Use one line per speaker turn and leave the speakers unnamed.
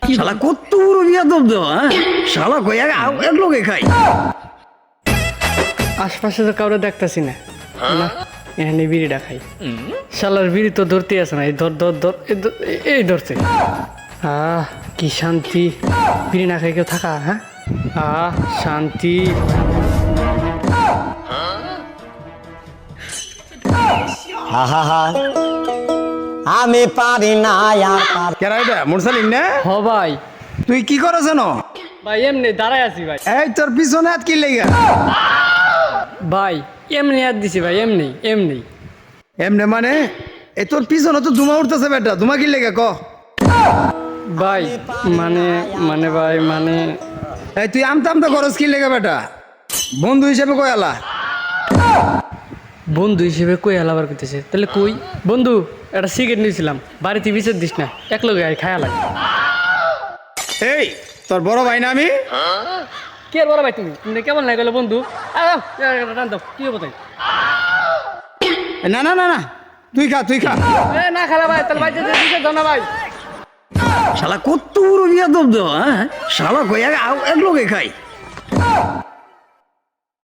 শালা কত বড় বিয়াদব দেওয়া শালা কই এক লোকে খাই।
আশপাশে তো কাউরে দেখতেছি না, না এখানে বিড়িটা খাই। শালার বিড়ি তো ধরতে আছে না, এই ধর ধর ধর এই ধরছে। কি শান্তি, বিড়ি না খাই কেউ থাকা। হ্যাঁ শান্তি।
আমি পারি না আর
কেরা এটা মুরসালিন না?
হ ভাই,
তুই কি করছ না?
ভাই এমনি দাঁড়ায় আছি ভাই।
এই তোর পিছনে হাত কি লেগা?
ভাই এমনি হাত দিছি ভাই, এমনি এমনি।
এমনে মানে এ তোর পিছনে তো ধুমা উঠতেছে বেটা, ধুমা কি লেগা ক?
ভাই মানে মানে ভাই মানে
এই তুই আমতা আমতা খরচ কি লেগা বেটা? বন্ধু হিসেবে কই আলা?
বন্ধু হিসেবে কই আলাবার করতেছে, তাহলে কই বন্ধু একটা সিগারেট নিয়েছিলাম, বাড়িতে বিচার দিস না, এক লগে খায়া লাগে।
এই তোর বড় ভাই না আমি?
কি আর বড় ভাই, তুমি তুমি কেমন লাগে গেলো বন্ধু? রান দাও, কি হবো তাই?
না না না না তুই খা তুই খা।
না খালা ভাই, তাহলে ভাই বিচার দাও না ভাই।
শালা কত বড় বিয়াদব দেওয়া শালা কই এক লোকে খাই।